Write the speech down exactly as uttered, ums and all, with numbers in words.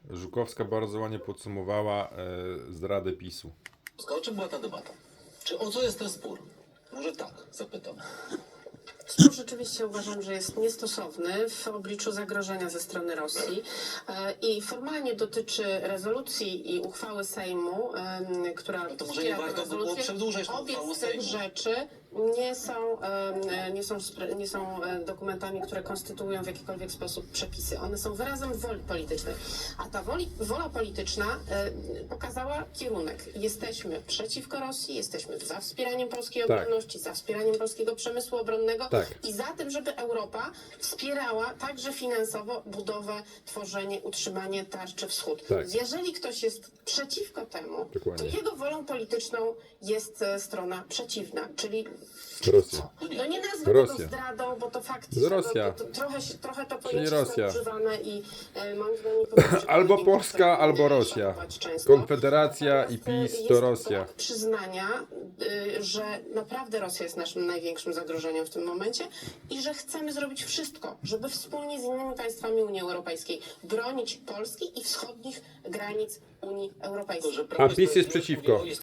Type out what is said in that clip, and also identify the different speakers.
Speaker 1: Żukowska bardzo ładnie podsumowała e, zdradę PiSu.
Speaker 2: O czym była ta debata? Czy o co jest ten spór? Może tak, zapytam.
Speaker 3: Spór rzeczywiście uważam, że jest niestosowny w obliczu zagrożenia ze strony Rosji e, i formalnie dotyczy rezolucji i uchwały Sejmu, e, która
Speaker 2: to może
Speaker 3: wspiera
Speaker 2: nie
Speaker 3: tę
Speaker 2: warto było
Speaker 3: rezolucję.
Speaker 2: przedłużać tą
Speaker 3: Obie
Speaker 2: uchwałą
Speaker 3: z tych
Speaker 2: Sejmu.
Speaker 3: rzeczy nie są, e, nie, są, spre- nie są e, dokumentami, które konstytuują w jakikolwiek sposób przepisy. One są wyrazem woli politycznej. A ta woli, wola polityczna e, pokazała kierunek. Jesteśmy przeciwko Rosji, jesteśmy za wspieraniem polskiej
Speaker 1: Tak.
Speaker 3: obronności, za wspieraniem polskiego przemysłu obronnego
Speaker 1: Tak.
Speaker 3: i za tym, żeby Europa wspierała także finansowo budowę, tworzenie, utrzymanie tarczy wschód.
Speaker 1: Tak.
Speaker 3: Jeżeli ktoś jest przeciwko temu,
Speaker 1: Dokładnie.
Speaker 3: to jego wolą polityczną jest e, strona przeciwna, czyli
Speaker 1: Rosja.
Speaker 3: no nie nazwę
Speaker 1: Rosja.
Speaker 3: tego zdradą, bo to faktycznie
Speaker 1: Z Rosja.
Speaker 3: To, to, trochę, się- trochę to
Speaker 1: Czyli
Speaker 3: pojęcie
Speaker 1: Rosja.
Speaker 3: jest nadużywane i e, moim zdaniem nie powinno się
Speaker 1: Albo
Speaker 3: tego
Speaker 1: Polska,
Speaker 3: nie
Speaker 1: albo Rosja.
Speaker 3: szanować często.
Speaker 1: Konfederacja i
Speaker 3: Natomiast, e,
Speaker 1: PiS
Speaker 3: jest
Speaker 1: to Rosja.
Speaker 3: brak przyznania, y, że naprawdę Rosja jest naszym największym zagrożeniem w tym momencie i że chcemy zrobić wszystko, żeby wspólnie z innymi państwami Unii Europejskiej bronić Polski i wschodnich granic Unii Europejskiej.
Speaker 2: To, że
Speaker 1: A PiS jest
Speaker 2: Sprawiedliwość
Speaker 1: przeciwko.
Speaker 2: mówi o